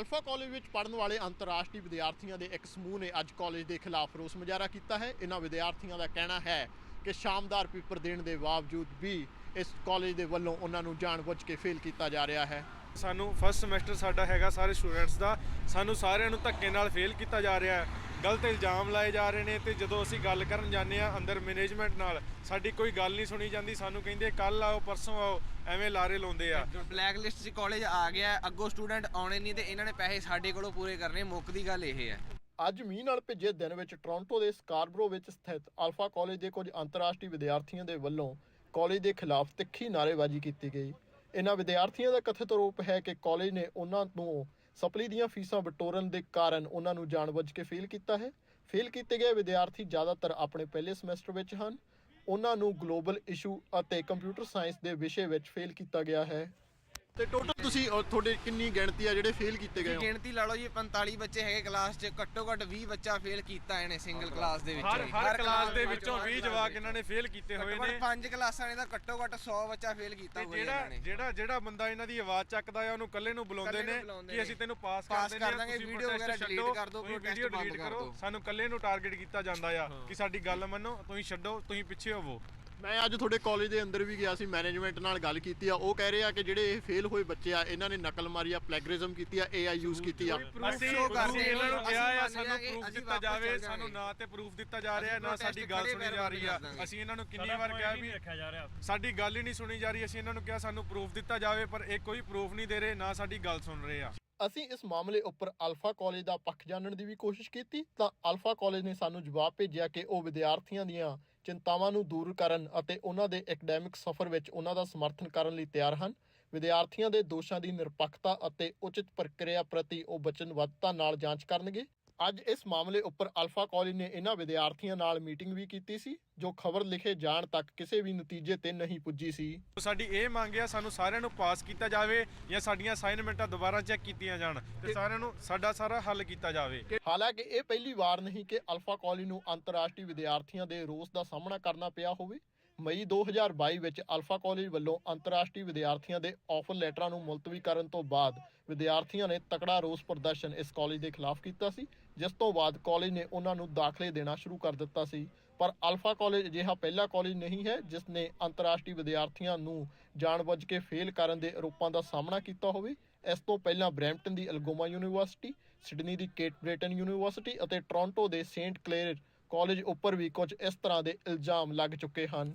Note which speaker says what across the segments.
Speaker 1: Alpha college ਵਿੱਚ ਪੜ੍ਹਨ ਵਾਲੇ ਅੰਤਰਰਾਸ਼ਟਰੀ ਵਿਦਿਆਰਥੀਆਂ ਦੇ ਇੱਕ ਸਮੂਹ ਨੇ ਅੱਜ ਕਾਲਜ ਦੇ ਖਿਲਾਫ ਰੋਸ ਮੁਜ਼ਾਹਰਾ ਕੀਤਾ ਹੈ। ਇਹਨਾਂ ਵਿਦਿਆਰਥੀਆਂ ਦਾ ਕਹਿਣਾ ਹੈ ਕਿ ਸ਼ਾਨਦਾਰ ਪੇਪਰ ਦੇਣ ਦੇ ਬਾਵਜੂਦ ਵੀ ਇਸ ਕਾਲਜ ਦੇ ਵੱਲੋਂ ਉਹਨਾਂ ਨੂੰ ਜਾਣਬੁੱਝ ਕੇ ਫੇਲ ਕੀਤਾ ਜਾ ਰਿਹਾ ਹੈ।
Speaker 2: ਸਾਨੂੰ ਫਸਟ ਸਮੈਸਟਰ ਸਾਡਾ ਹੈਗਾ ਸਾਰੇ ਸਟੂਡੈਂਟਸ ਦਾ, ਸਾਨੂੰ ਸਾਰਿਆਂ ਨੂੰ ਧੱਕੇ ਨਾਲ ਫੇਲ ਕੀਤਾ ਜਾ ਰਿਹਾ ਹੈ। ਗਲਤ ਇਲਜ਼ਾਮ ਲਾਏ ਜਾ ਰਹੇ ਨੇ ਤੇ ਜਦੋਂ ਅਸੀਂ ਗੱਲ ਕਰਨ ਜਾਂਦੇ ਆ ਅੰਦਰ ਮੈਨੇਜਮੈਂਟ ਨਾਲ ਸਾਡੀ ਕੋਈ ਗੱਲ ਨਹੀਂ ਸੁਣੀ ਜਾਂਦੀ। ਸਾਨੂੰ ਕਹਿੰਦੇ ਕੱਲ ਆਓ ਪਰਸੋਂ ਆਓ, ਐਵੇਂ ਲਾਰੇ ਲਾਉਂਦੇ ਆ।
Speaker 3: ਬਲੈਕ ਲਿਸਟ 'ਚ ਕਾਲਜ ਆ ਗਿਆ, ਅੱਗੋਂ ਸਟੂਡੈਂਟ ਆਉਣੇ ਨਹੀਂ ਤੇ ਇਹਨਾਂ ਨੇ ਪੈਸੇ ਸਾਡੇ ਕੋਲੋਂ ਪੂਰੇ ਕਰਨੇ। ਮੁੱਖ ਦੀ ਗੱਲ ਇਹ ਹੈ।
Speaker 1: ਅੱਜ ਮੀਂਹ ਨਾਲ ਭਿੱਜੇ ਦਿਨ ਵਿੱਚ ਟੋਰਾਂਟੋ ਦੇ ਸਕਾਰਬਰੋ ਵਿੱਚ ਸਥਿਤ ਅਲਫਾ ਕਾਲਜ ਦੇ ਕੁਝ ਅੰਤਰਰਾਸ਼ਟਰੀ ਵਿਦਿਆਰਥੀਆਂ ਦੇ ਵੱਲੋਂ ਕਾਲਜ ਦੇ ਖਿਲਾਫ ਤਿੱਖੀ ਨਾਅਰੇਬਾਜ਼ੀ ਕੀਤੀ ਗਈ। ਇਹਨਾਂ ਵਿਦਿਆਰਥੀਆਂ ਦਾ ਕਥਿਤ ਆਰੋਪ ਹੈ ਕਿ ਕਾਲਜ ਨੇ ਉਹਨਾਂ ਨੂੰ ਸਪਲੀ ਦੀਆਂ ਫੀਸਾਂ ਬਟੋਰਨ ਦੇ ਕਾਰਨ ਉਹਨਾਂ ਨੂੰ ਜਾਣਬੁੱਝ ਕੇ ਫੇਲ ਕੀਤਾ ਹੈ। ਫੇਲ ਕੀਤੇ ਗਏ ਵਿਦਿਆਰਥੀ ਜ਼ਿਆਦਾਤਰ ਆਪਣੇ ਪਹਿਲੇ ਸਮੈਸਟਰ ਵਿੱਚ ਹਨ। ਉਹਨਾਂ ਨੂੰ ਗਲੋਬਲ ਇਸ਼ੂ ਅਤੇ ਕੰਪਿਊਟਰ ਸਾਇੰਸ ਦੇ ਵਿਸ਼ੇ ਵਿੱਚ ਫੇਲ ਕੀਤਾ ਗਿਆ ਹੈ। ਤੇ ਟੋਟਲ ਤੁਸੀਂ ਤੁਹਾਡੇ ਕਿੰਨੀ ਗਿਣਤੀ ਆ ਜਿਹੜੇ ਫੇਲ ਕੀਤੇ ਗਏ ਹੋ?
Speaker 3: ਗਿਣਤੀ ਲਾ ਲਓ ਜੀ 45 ਬੱਚੇ ਹੈਗੇ ਕਲਾਸ 'ਚ, ਘੱਟੋ ਘੱਟ 20 ਬੱਚਾ ਫੇਲ ਕੀਤਾ ਇਹਨੇ ਸਿੰਗਲ ਕਲਾਸ ਦੇ ਵਿੱਚ।
Speaker 2: ਹਰ ਕਲਾਸ ਦੇ ਵਿੱਚੋਂ 20 ਜਵਾਕ ਇਹਨਾਂ ਨੇ ਫੇਲ ਕੀਤੇ ਹੋਏ ਨੇ।
Speaker 3: 5 ਕਲਾਸਾਂ ਨੇ ਤਾਂ ਘੱਟੋ ਘੱਟ 100 ਬੱਚਾ ਫੇਲ ਕੀਤਾ ਹੋਇਆ ਇਹਨਾਂ ਨੇ।
Speaker 2: ਜਿਹੜਾ ਬੰਦਾ ਇਹਨਾਂ ਦੀ ਆਵਾਜ਼ ਚੱਕਦਾ ਆ ਉਹਨੂੰ ਇਕੱਲੇ ਨੂੰ ਬੁਲਾਉਂਦੇ ਨੇ ਕਿ ਅਸੀਂ ਤੈਨੂੰ ਪਾਸ ਕਰ ਦਿੰਦੇ,
Speaker 3: ਵੀਡੀਓ ਵਗੈਰਾ ਡਿਲੀਟ ਕਰ ਦਿਓ,
Speaker 2: ਵੀਡੀਓ ਡਿਲੀਟ ਕਰੋ। ਸਾਨੂੰ ਇਕੱਲੇ ਨੂੰ ਟਾਰਗੇਟ ਕੀਤਾ ਜਾਂਦਾ ਆ ਕਿ ਸਾਡੀ ਗੱਲ ਮੰਨੋ, ਤੁਸੀਂ ਛੱਡੋ, ਤੁਸੀਂ ਪਿੱਛੇ ਹੋਵੋ।
Speaker 1: ਮੈਂ ਅੱਜ ਤੁਹਾਡੇ ਕਾਲਜ ਦੇ ਅੰਦਰ ਵੀ ਗਿਆ ਸੀ, ਮੈਨੇਜਮੈਂਟ ਨਾਲ ਗੱਲ ਕੀਤੀ ਆ। ਉਹ ਕਹਿ ਰਹੇ ਆ ਕਿ ਜਿਹੜੇ ਇਹ ਫੇਲ ਹੋਏ ਬੱਚੇ ਆ ਇਹਨਾਂ ਨੇ ਨਕਲ ਮਾਰੀ ਆ, ਪਲੈਗਰਿਜ਼ਮ ਕੀਤੀ ਆ, AI ਯੂਜ਼ ਕੀਤੀ ਆ।
Speaker 2: ਅਸੀਂ ਇਹਨਾਂ ਨੂੰ ਕਿਹਾ ਆ ਸਾਨੂੰ ਪ੍ਰੂਫ ਦਿੱਤਾ ਜਾਵੇ। ਸਾਨੂੰ ਨਾ ਤੇ ਪ੍ਰੂਫ ਦਿੱਤਾ ਜਾ ਰਿਹਾ, ਨਾ ਸਾਡੀ ਗੱਲ ਸੁਣੀ ਜਾ ਰਹੀ ਆ। ਅਸੀਂ ਇਹਨਾਂ ਨੂੰ ਕਿੰਨੀ ਵਾਰ ਕਿਹਾ ਵੀ ਸਾਡੀ ਗੱਲ ਹੀ ਨਹੀਂ ਸੁਣੀ ਜਾ ਰਹੀ। ਅਸੀਂ ਇਹਨਾਂ ਨੂੰ ਕਿਹਾ ਸਾਨੂੰ ਪ੍ਰੂਫ ਦਿੱਤਾ ਜਾਵੇ, ਪਰ ਇਹ ਕੋਈ ਪ੍ਰੂਫ ਨਹੀਂ ਦੇ ਰਹੇ, ਨਾ ਸਾਡੀ ਗੱਲ ਸੁਣ ਰਹੇ ਆ।
Speaker 1: ਅਸੀਂ ਇਸ ਮਾਮਲੇ ਉੱਪਰ ਅਲਫਾ ਕਾਲਜ ਦਾ ਪੱਖ ਜਾਣਨ ਦੀ ਵੀ ਕੋਸ਼ਿਸ਼ ਕੀਤੀ ਤਾਂ ਅਲਫਾ ਕਾਲਜ ਨੇ ਸਾਨੂੰ ਜਵਾਬ ਭੇਜਿਆ ਕਿ ਉਹ ਵਿਦਿਆਰਥੀਆਂ ਦੀਆਂ ਚਿੰਤਾਵਾਂ ਨੂੰ ਦੂਰ ਕਰਨ ਅਤੇ ਉਹਨਾਂ ਦੇ ਐਕੈਡੈਮਿਕ ਸਫ਼ਰ ਵਿੱਚ ਉਹਨਾਂ ਦਾ ਸਮਰਥਨ ਕਰਨ ਲਈ ਤਿਆਰ ਹਨ। ਵਿਦਿਆਰਥੀਆਂ ਦੇ ਦੋਸ਼ਾਂ ਦੀ ਨਿਰਪੱਖਤਾ ਅਤੇ ਉਚਿਤ ਪ੍ਰਕਿਰਿਆ ਪ੍ਰਤੀ ਉਹ ਵਚਨਬੱਧਤਾ ਨਾਲ ਜਾਂਚ ਕਰਨਗੇ। ਅੱਜ ਇਸ ਮਾਮਲੇ ਉੱਪਰ ਅਲਫਾ ਕਾਲਜ ਨੇ ਇਹਨਾਂ ਵਿਦਿਆਰਥੀਆਂ ਨਾਲ ਮੀਟਿੰਗ ਵੀ ਕੀਤੀ ਸੀ, ਜੋ ਖਬਰ ਲਿਖੇ ਜਾਣ ਤੱਕ ਕਿਸੇ ਵੀ ਨਤੀਜੇ ਤੇ ਨਹੀਂ ਪੁੱਜੀ ਸੀ।
Speaker 2: ਸਾਡੀ ਇਹ ਮੰਗ ਆ ਸਾਨੂੰ ਸਾਰਿਆਂ ਨੂੰ ਪਾਸ ਕੀਤਾ ਜਾਵੇ ਜਾਂ ਸਾਡੀਆਂ ਅਸਾਈਨਮੈਂਟਾਂ ਦੁਬਾਰਾ ਚੈੱਕ ਕੀਤੀਆਂ ਜਾਣ ਤੇ ਸਾਰਿਆਂ ਨੂੰ ਸਾਡਾ ਸਾਰਾ ਹੱਲ ਕੀਤਾ ਜਾਵੇ।
Speaker 1: ਹਾਲਾਂਕਿ ਇਹ ਪਹਿਲੀ ਵਾਰ ਨਹੀਂ ਕਿ ਅਲਫਾ ਕਾਲਜ ਨੂੰ ਅੰਤਰਰਾਸ਼ਟਰੀ ਵਿਦਿਆਰਥੀਆਂ ਦੇ ਰੋਸ ਦਾ ਸਾਹਮਣਾ ਕਰਨਾ ਪਿਆ ਹੋਵੇ। ਮਈ 2022 ਵਿੱਚ ਅਲਫਾ ਕਾਲਜ ਵੱਲੋਂ ਅੰਤਰਰਾਸ਼ਟਰੀ ਵਿਦਿਆਰਥੀਆਂ ਦੇ ਆਫਰ ਲੈਟਰਾਂ ਨੂੰ ਮੁਲਤਵੀ ਕਰਨ ਤੋਂ ਬਾਅਦ ਵਿਦਿਆਰਥੀਆਂ ਨੇ ਤਕੜਾ ਰੋਸ ਪ੍ਰਦਰਸ਼ਨ ਇਸ ਕਾਲਜ ਦੇ ਖਿਲਾਫ ਕੀਤਾ ਸੀ, ਜਿਸ ਤੋਂ ਬਾਅਦ ਕਾਲਜ ਨੇ ਉਹਨਾਂ ਨੂੰ ਦਾਖਲੇ ਦੇਣਾ ਸ਼ੁਰੂ ਕਰ ਦਿੱਤਾ ਸੀ। ਪਰ ਅਲਫਾ ਕਾਲਜ ਅਜਿਹਾ ਪਹਿਲਾ ਕਾਲਜ ਨਹੀਂ ਹੈ ਜਿਸ ਨੇ ਅੰਤਰਰਾਸ਼ਟਰੀ ਵਿਦਿਆਰਥੀਆਂ ਨੂੰ ਜਾਣਬੁੱਝ ਕੇ ਫੇਲ ਕਰਨ ਦੇ ਆਰੋਪਾਂ ਦਾ ਸਾਹਮਣਾ ਕੀਤਾ ਹੋਵੇ। ਇਸ ਤੋਂ ਪਹਿਲਾਂ ਬਰੈਂਪਟਨ ਦੀ ਅਲਗੋਮਾ ਯੂਨੀਵਰਸਿਟੀ, ਸਿਡਨੀ ਦੀ ਕੇਟ ਬ੍ਰੇਟਨ ਯੂਨੀਵਰਸਿਟੀ ਅਤੇ ਟੋਰਾਂਟੋ ਦੇ ਸੇਂਟ ਕਲੇਅਰ ਕਾਲਜ ਉੱਪਰ ਵੀ ਕੁਝ ਇਸ ਤਰ੍ਹਾਂ ਦੇ ਇਲਜ਼ਾਮ ਲੱਗ ਚੁੱਕੇ ਹਨ।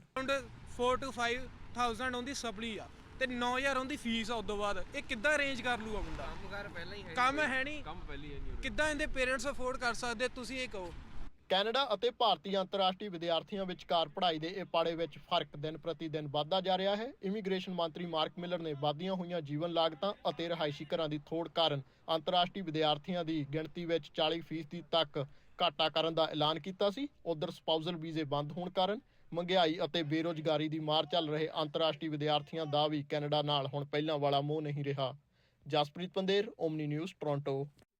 Speaker 4: 4 to 5000 ਉਹਦੀ ਸਪਲੀ ਆ ਤੇ 9000 ਉਹਦੀ ਫੀਸ ਆ। ਉਦੋਂ ਬਾਅਦ ਇਹ ਕਿੱਦਾਂ ਅਰੇਂਜ ਕਰ ਲੂਗਾ ਬੰਦਾ?
Speaker 3: ਕੰਮਕਾਰ ਪਹਿਲਾਂ ਹੀ ਹੈ,
Speaker 4: ਕੰਮ ਹੈ ਨਹੀਂ, ਕੰਮ ਪਹਿਲੀ ਹੈ ਨਹੀਂ। ਕਿੱਦਾਂ ਇਹਦੇ ਪੇਰੈਂਟਸ ਅਫੋਰਡ ਕਰ ਸਕਦੇ? ਤੁਸੀਂ ਇਹ ਕਹੋ।
Speaker 1: ਕੈਨੇਡਾ ਅਤੇ ਭਾਰਤੀ ਅੰਤਰਰਾਸ਼ਟਰੀ ਵਿਦਿਆਰਥੀਆਂ ਵਿਚਕਾਰ ਪੜ੍ਹਾਈ ਦੇ ਇਹ ਪਾੜੇ ਵਿੱਚ ਫਰਕ ਦਿਨ ਪ੍ਰਤੀ ਦਿਨ ਵੱਧਦਾ ਜਾ ਰਿਹਾ ਹੈ। ਇਮੀਗ੍ਰੇਸ਼ਨ ਮੰਤਰੀ ਮਾਰਕ ਮਿਲਰ ਨੇ ਵਧਦੀਆਂ ਹੋਈਆਂ ਜੀਵਨ ਲਾਗਤਾਂ ਅਤੇ ਰਿਹਾਇਸ਼ੀ ਘਰਾਂ ਦੀ ਥੋੜ ਕਾਰਨ ਅੰਤਰਰਾਸ਼ਟਰੀ ਵਿਦਿਆਰਥੀਆਂ ਦੀ ਗਿਣਤੀ ਵਿੱਚ 40% ਤੱਕ ਘਾਟਾ ਕਰਨ ਦਾ ਐਲਾਨ ਕੀਤਾ ਸੀ। ਉਧਰ ਸਪਾਊਸਲ ਵੀਜ਼ੇ ਬੰਦ ਹੋਣ ਕਾਰਨ ਮਹਿੰਗਾਈ ਅਤੇ ਬੇਰੁਜ਼ਗਾਰੀ ਦੀ ਮਾਰ ਚੱਲ ਰਹੇ ਅੰਤਰਰਾਸ਼ਟਰੀ ਵਿਦਿਆਰਥੀਆਂ ਦਾ ਵੀ ਕੈਨੇਡਾ ਨਾਲ ਹੁਣ ਪਹਿਲਾਂ ਵਾਲਾ ਮੋਹ ਨਹੀਂ ਰਿਹਾ। Jaspreet Pander, Omni news, Toronto.